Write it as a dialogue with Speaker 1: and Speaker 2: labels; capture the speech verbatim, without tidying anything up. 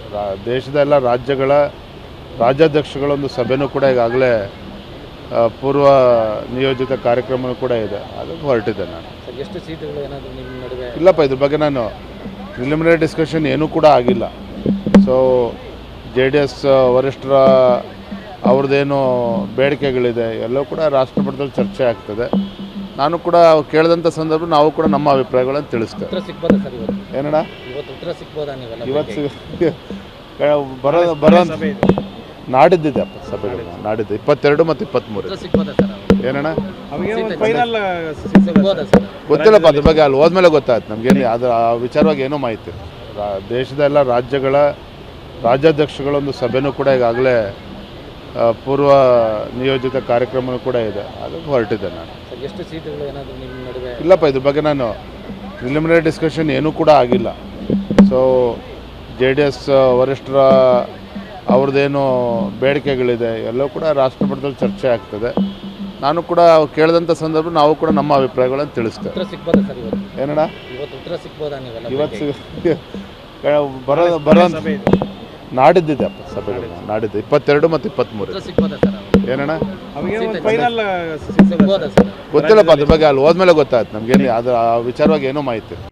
Speaker 1: ರಾ- ದೇಶದ ಎಲ್ಲ ರಾಜ್ಯಗಳ ರಾಜ್ಯಾಧ್ಯಕ್ಷಗಳೊಂದು ಸಭೆನೂ ಕೂಡ ಈಗಾಗಲೇ ಆ, ಪೂರ್ವ ನಿಯೋಜಿತ ಕಾರ್ಯಕ್ರಮನೂ ಕೂಡ ಇದೆ, ಅದಕ್ಕೆ ಹೊರಟಿದ್ದೆ ನಾನು.
Speaker 2: ಸರ್, ಎಷ್ಟು ಸೀಟುಗಳು ಏನಾದರೂ ನಿಮ್ಮ ನಡುವೆ?
Speaker 1: ಇಲ್ಲಪ್ಪ, ಇದ್ರ ಬಗ್ಗೆ ನಾನು ಪ್ರಿಲಿಮಿನರಿ ಡಿಸ್ಕಷನ್ ಏನೂ ಕೂಡ ಆಗಿಲ್ಲ. ಸೊ ಜೆ ಡಿ ಎಸ್ ವರಿಷ್ಠರ ಅವ್ರದ್ದೇನು ಬೇಡಿಕೆಗಳಿದೆ ಎಲ್ಲವೂ ಕೂಡ ರಾಷ್ಟ್ರ ಮಟ್ಟದಲ್ಲಿ ಚರ್ಚೆ ಆಗ್ತದೆ. ನಾನು ಕೂಡ ಕೇಳಿದಂಥ ಸಂದರ್ಭ ನಾವು ಕೂಡ ನಮ್ಮ ಅಭಿಪ್ರಾಯಗಳನ್ನು ತಿಳಿಸ್ತೇವೆ.
Speaker 2: ಉತ್ತರ ಸಿಗ್ಬೋದಾ ಸರ್ ಇವತ್ತು?
Speaker 1: ಏನಣ್ಣ
Speaker 2: ಇವತ್ತು ಉತ್ತರ ಸಿಗ್ಬೋದಾ ನೀವೆಲ್ಲ?
Speaker 1: ಇವತ್ತು ಬರೋ ಬರೋ ನಾಡಿದ್ದಿದೆ ಅಪ್ಪ ಸಭೆಗಳು, ನಾಡಿದ್ದು ಇಪ್ಪತ್ತೆರಡು ಮತ್ತು ಇಪ್ಪತ್ತ್ಮೂರು.
Speaker 2: ಉತ್ತರ ಸಿಗ್ಬೋದಾ ಸರ್ ಅವ್ರು?
Speaker 1: ಏನಣ್ಣ
Speaker 2: ಫೈನಲ್ ಸಿಗ್ಬೋದಾ ಸರ್?
Speaker 1: ಗೊತ್ತಿಲ್ಲಪ್ಪ, ಅದ್ರ ಬಗ್ಗೆ ಅಲ್ಲಿ ಹೋದ್ಮೇಲೆ ಗೊತ್ತಾಯ್ತು ನಮಗೇನು ಅದರ ಆ ವಿಚಾರವಾಗಿ ಏನೂ ಮಾಹಿತಿ. ರಾ- ದೇಶದ ಎಲ್ಲ ರಾಜ್ಯಗಳ ರಾಜ್ಯಾಧ್ಯಕ್ಷಗಳೊಂದು ಸಭೆನೂ ಕೂಡ ಈಗಾಗಲೇ ಆ, ಪೂರ್ವ ನಿಯೋಜಿತ ಕಾರ್ಯಕ್ರಮನೂ ಕೂಡ ಇದೆ, ಅದಕ್ಕೆ ಹೊರಟಿದ್ದೆ ನಾನು.
Speaker 2: ಸರ್, ಎಷ್ಟು ಸೀಟುಗಳು ಏನಾದರೂ ನಿಮ್ಮ ನಡುವೆ?
Speaker 1: ಇಲ್ಲಪ್ಪ, ಇದ್ರ ಬಗ್ಗೆ ನಾನು ಪ್ರಿಲಿಮಿನರಿ ಡಿಸ್ಕಷನ್ ಏನೂ ಕೂಡ ಆಗಿಲ್ಲ. ಸೊ ಜೆ ಡಿ ಎಸ್ ವರಿಷ್ಠರ ಅವ್ರದ್ದೇನು ಬೇಡಿಕೆಗಳಿದೆ ಎಲ್ಲವೂ ಕೂಡ ರಾಷ್ಟ್ರ ಮಟ್ಟದಲ್ಲಿ ಚರ್ಚೆ ಆಗ್ತದೆ. ನಾನು ಕೂಡ ಕೇಳಿದಂಥ ಸಂದರ್ಭ ನಾವು ಕೂಡ ನಮ್ಮ ಅಭಿಪ್ರಾಯಗಳನ್ನು ತಿಳಿಸ್ತೇವೆ.
Speaker 2: ಉತ್ತರ ಸಿಗ್ಬೋದಾ ಸರ್ ಇವತ್ತು?
Speaker 1: ಏನಣ್ಣ
Speaker 2: ಇವತ್ತು ಉತ್ತರ ಸಿಗ್ಬೋದಾ ನೀವೆಲ್ಲ?
Speaker 1: ಇವತ್ತು ಬರೋ ಬರೋ ನಾಡಿದ್ದಿದೆ ಅಪ್ಪ ಸಭೆಗಳು, ನಾಡಿದ್ದು ಇಪ್ಪತ್ತೆರಡು ಮತ್ತು ಇಪ್ಪತ್ತ್ಮೂರು.
Speaker 2: ಉತ್ತರ ಸಿಗ್ಬೋದಾ ಸರ್ ಅವ್ರು?
Speaker 1: ಏನಣ್ಣ
Speaker 2: ಫೈನಲ್ ಸಿಗ್ಬೋದಾ ಸರ್?
Speaker 1: ಗೊತ್ತಿಲ್ಲಪ್ಪ, ಅದ್ರ ಬಗ್ಗೆ ಅಲ್ಲಿ ಹೋದ್ಮೇಲೆ ಗೊತ್ತಾಯ್ತು ನಮಗೇನು ಅದರ ಆ ವಿಚಾರವಾಗಿ ಏನೂ ಮಾಹಿತಿ.